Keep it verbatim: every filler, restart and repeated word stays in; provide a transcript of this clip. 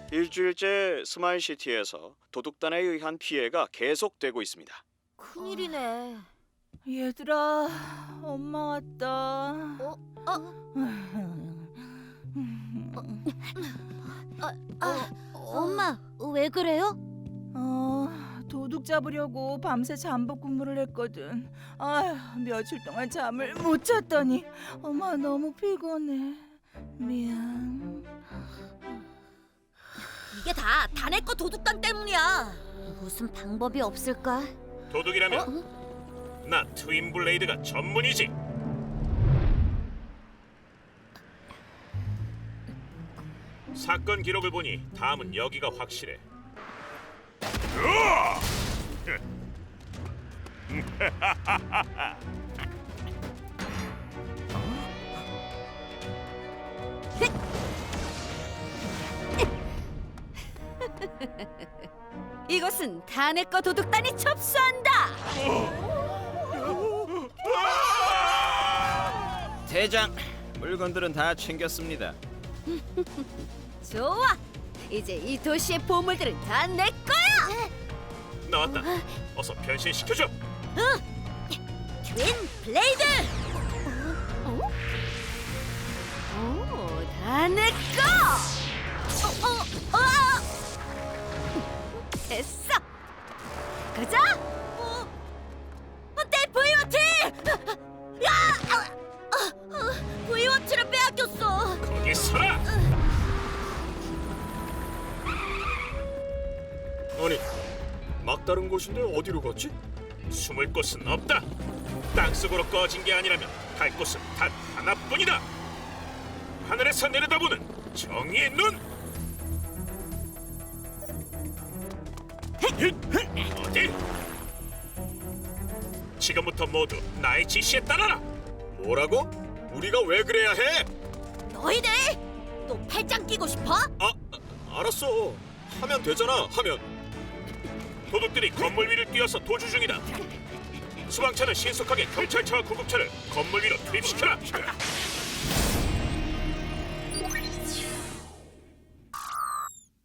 일주일째 스마일시티에서 도둑단에 의한 피해가 계속되고 있습니다. 큰일이네. 얘들아, 엄마 왔다. 어? 어? 아, 엄마, 왜 그래요? 어, 도둑 잡으려고 밤새 잠복 근무를 했거든. 아휴, 며칠 동안 잠을 못 잤더니 엄마 너무 피곤해. 미안. 이게 다 다내 거 도둑단 때문이야. 무슨 방법이 없을까? 도둑이라면 나 트윈 블레이드가 전문이지. 사건 기록을 보니 다음은 여기가 확실해. 이것은 다내 거 도둑단이 접수한다. 대장, 물건들은 다 챙겼습니다. 좋아. 이제 이 도시의 보물들은 다 내 거야. 나왔다. 어서 변신시켜줘. 트윈 블레이드. 어? 오, 다 내 거. 어, 어, 어. 됐어. 가자. 어, 어, 내 브이워치. 야, 어, 어, 브이워치를 빼앗겼어. 거기 서라. 아니, 막다른 곳인데 어디로 갔지? 숨을 곳은 없다. 땅속으로 꺼진 게 아니라면 갈 곳은 단 하나뿐이다. 하늘에서 내려다보는 정의의 눈. 어디? 지금부터 모두 나의 지시에 따라라. 뭐라고? 우리가 왜 그래야 해? 너희들, 또 팔짱 끼고 싶어? 아, 알았어. 하면 되잖아. 하면. 도둑들이 건물 위를 뛰어서 도주 중이다. 수방차는 신속하게 경찰차와 구급차를 건물 위로 투입시켜라.